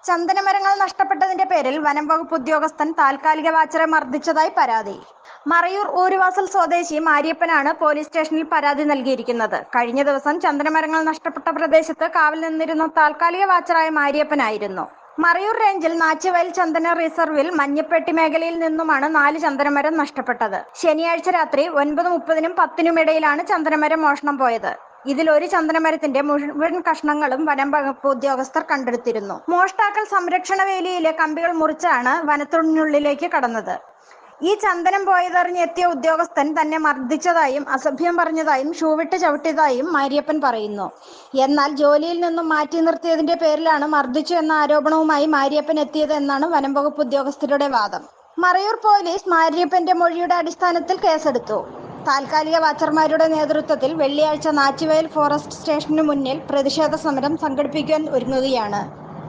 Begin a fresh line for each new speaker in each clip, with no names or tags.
ചന്ദനമരങ്ങൾ നഷ്ടപ്പെട്ടതിന്റെ പേരിൽ വനം വകുപ്പ് ഉദ്യോഗസ്ഥൻ താൽക്കാലിക വാച്ചറെ മർദ്ദിച്ചതായി പരാതി. മറയൂർ ഊരുവാസൽ സ്വദേശി മാരിയപ്പനാണ് പോലീസ് സ്റ്റേഷനിൽ പരാതി നൽകിയിരിക്കുന്നത്. കഴിഞ്ഞ ദിവസം ചന്ദനമരങ്ങൾ നഷ്ടപ്പെട്ട പ്രദേശത്ത് കാവൽ നിന്നിരുന്ന താൽക്കാലിക വാച്ചറായ മാരിയപ്പനായിരുന്നു. മറയൂർ റേഞ്ചിൽ നാച്ചുവയൽ ചന്ദന റിസർവിൽ മഞ്ഞപ്പെട്ടി മേഖലയിൽ നിന്നുമാണ് 4 ചന്ദനമരം നഷ്ടപ്പെട്ടത്. ശനിയാഴ്ച രാത്രി 9:30-നും 10-നും ഇടയിലാണ് ചന്ദനമരം മോഷണം പോയത്. ഇതിൽ ഒരു ചന്ദനമരത്തിന്റെ മുഴുവൻ കഷ്ണങ്ങളും വനം വകുപ്പ് ഉദ്യോഗസ്ഥർ കണ്ടെടുത്തിരുന്നു. മോഷ്ടാക്കൾ സംരക്ഷണ വേലിയിലെ കമ്പികൾ മുറിച്ചാണ് വനത്തിനുള്ളിലേക്ക് കടന്നത്. ഈ ചന്ദനം പോയതറിഞ്ഞെത്തിയ ഉദ്യോഗസ്ഥൻ തന്നെ മർദ്ദിച്ചതായും അസഭ്യം പറഞ്ഞതായും ഷൂവിട്ട് ചവിട്ടിയതായും മാരിയപ്പൻ പറയുന്നു. എന്നാൽ ജോലിയിൽ നിന്നും മാറ്റി നിർത്തിയതിന്റെ പേരിലാണ് മർദ്ദിച്ചു എന്ന ആരോപണവുമായി മാരിയപ്പൻ എത്തിയത് എന്നാണ് വനം വകുപ്പ് ഉദ്യോഗസ്ഥരുടെ വാദം. മറയൂർ പോലീസ് മാരിയപ്പന്റെ മൊഴിയുടെ അടിസ്ഥാനത്തിൽ കേസെടുത്തു. താൽക്കാലിക വാച്ചർമാരുടെ നേതൃത്വത്തിൽ വെള്ളിയാഴ്ച നാച്ചുവയൽ ഫോറസ്റ്റ് സ്റ്റേഷനു മുന്നിൽ പ്രതിഷേധ സമരം സംഘടിപ്പിക്കാൻ ഒരുങ്ങുകയാണ്.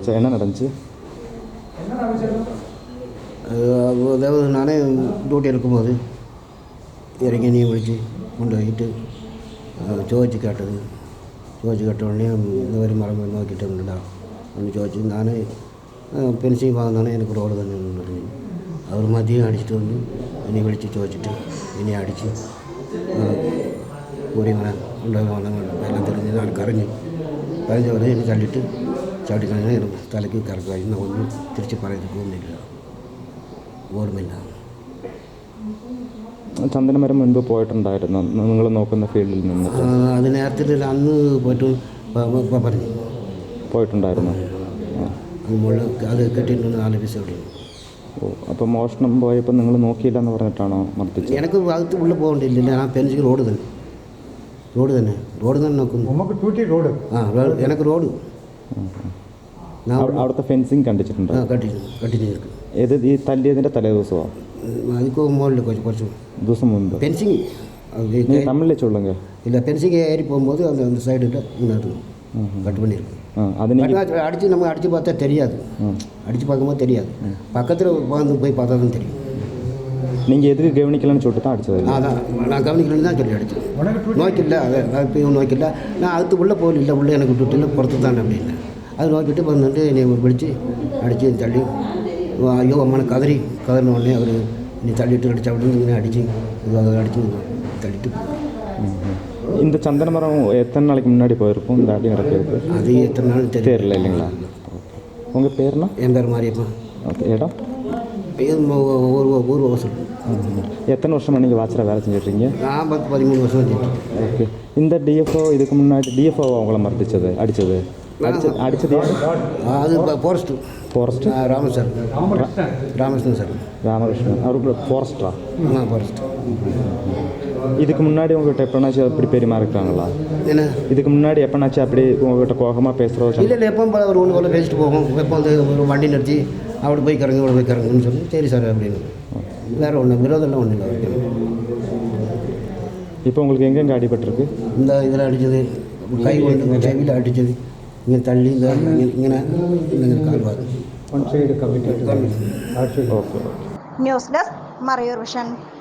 நானே டியூட்டி இருக்கும்போது இறங்கி நீ விழிச்சு கொண்டு போயிட்டு ചോദിച്ച് കേട്ടത്. ചോദിച്ച് കേട്ട ഉടനെ இந்த மாதிரி மரம் നോക്കിയിട്ടുണ്ടല്ലോ എന്ന് ചോദിച്ചു. ഞാൻ പെൻസിൽ ഭാഗത്താണ് എനിക്ക് റോഡ് തന്നെ പറഞ്ഞു. അവർ മദ്യം അടിച്ചിട്ട് വന്ന് ഇനി വിളിച്ച് ചോദിച്ചിട്ട് ഇനി അടിച്ച് കൂടി ഇങ്ങനെ ഉണ്ടാകുന്ന എല്ലാം തെളിഞ്ഞ് ഞാൻ കരഞ്ഞു പോലെ എന്നെ തള്ളിയിട്ട് ചവിട്ടിക്കളഞ്ഞാൽ എനിക്ക് തലയ്ക്ക് കറക്കായി. ഒന്നും തിരിച്ച് പറയുന്നത് പോകുന്നില്ല, ഓർമ്മയില്ല.
ചന്ദനമരം മുൻപ് പോയിട്ടുണ്ടായിരുന്നു നിങ്ങൾ നോക്കുന്ന ഫീൽഡിൽ നിന്ന്?
അത് നേരത്തെ അന്ന് പോയിട്ട് പറഞ്ഞു പോയിട്ടുണ്ടായിരുന്നു. അത് കെട്ടിയിട്ടുണ്ട് 4 എപ്പിസോഡ്.
ഓ, അപ്പോൾ മോഷണം പോയപ്പോൾ നിങ്ങൾ നോക്കിയില്ല എന്ന് പറഞ്ഞിട്ടാണോ മർദ്ദിച്ചത്?
എനിക്ക് ഭാഗത്ത് ഉള്ളിൽ പോകണ്ടില്ല. ഞാൻ പെൻസിൽ റോഡ് തന്നെ നോക്കുന്നു. എനിക്ക് റോഡ്
അവിടുത്തെ ഫെൻസിങ് കണ്ടിട്ടുണ്ടോ?
കണ്ടിന്യൂ.
ഏത് ഈ തല്ലിയതിൻ്റെ തലേ ദിവസമാണ്?
അതിക്ക് മുകളിൽ കുറച്ച്
ദിവസം മുമ്പ്.
ഫെൻസിങ്
തമിഴിൽ ചൊല്ലുങ്ക
ഇല്ല. ഫെൻസിങ് ഏറി പോകുമ്പോൾ அந்த சைடில் கட் பண்ணியிருக்கு. அடித்து நம்ம அடித்து பார்த்தா தெரியாது. அடித்து பார்க்கும்போது தெரியாது. பக்கத்தில் உட்காந்து போய் பார்த்தா தான் தெரியும்.
நீங்கள் எதுக்கு கவனிக்கலன்னு சொல்லிட்டு தான் அடிச்சது?
அதான் நான் கவனிக்கலன்னு தான் சொல்லி அடித்தேன். நோக்கில்ல, இப்பயும் நோக்கில்ல. நான் அதுக்கு உள்ளே போகல, உள்ளே எனக்கு விட்டுட்டு புறத்து தான் அப்படின்னு அது நோக்கிட்டு வந்துட்டு என்னை பிடிச்சி அடித்து தள்ளி ஐயோ அம்மனை கதறின உடனே அவர் நீ தள்ளிட்டு அடித்தா அப்படின்னு இங்கே அடித்து அடித்து தள்ளிட்டு.
இந்த சந்தன மரம் எத்தனை நாளைக்கு முன்னாடி போயிருக்கும் இந்த அடி நடக்கிறது?
அது எத்தனை நாள்
தெரியல இல்லைங்களா? உங்கள் பேர்னா?
என் பேர் மாரியப்பா.
ஓகே. இடம்?
ஊர் வாசல்.
எத்தனை வருஷமாக நீங்கள் வாட்சரை வேலை செஞ்சிட்ருக்கீங்க?
நான் 13 வருஷம் செஞ்சுட்டேன்.
ஓகே. இந்த டிஎஃப்ஓ இதுக்கு முன்னாடி டிஎஃப்ஓ அவங்கள மர்த்திச்சது அடித்தது
அது ஃபாரஸ்ட் ராமகிருஷ்ணன் சார்.
ராமகிருஷ்ணன் அவருக்கு ஃபாரஸ்டா?
ஃபாரஸ்ட்.
இதுக்கு முன்னாடி உங்கள்கிட்ட எப்போனாச்சும் அப்படி பெருமாறிக்கிறாங்களா?
என்ன
இதுக்கு முன்னாடி எப்போனாச்சும் அப்படி உங்கள்கிட்ட கோகமாக பேசுகிறோம்?
இல்லை எப்போ ஒரு ஒன்று போல் பேசிட்டு போவோம். எப்போ வந்து ஒரு வண்டி நிறுத்தி அப்படி போய் கறங்க இவ்வளோ போய் கறங்குன்னு சொல்லி சரி சார் அப்படின்னு. வேறு ஒன்று விரோதம்லாம் ஒன்றும் இல்லை.
இப்போ உங்களுக்கு எங்கெங்கே அடிபட்டிருக்கு?
இந்த இதில் அடித்தது, கை ஒன்று செவியில் அடித்தது, இங்கே தள்ளி இങ്ങനെ കാൽഭാഗം.
News desk Marayur vision.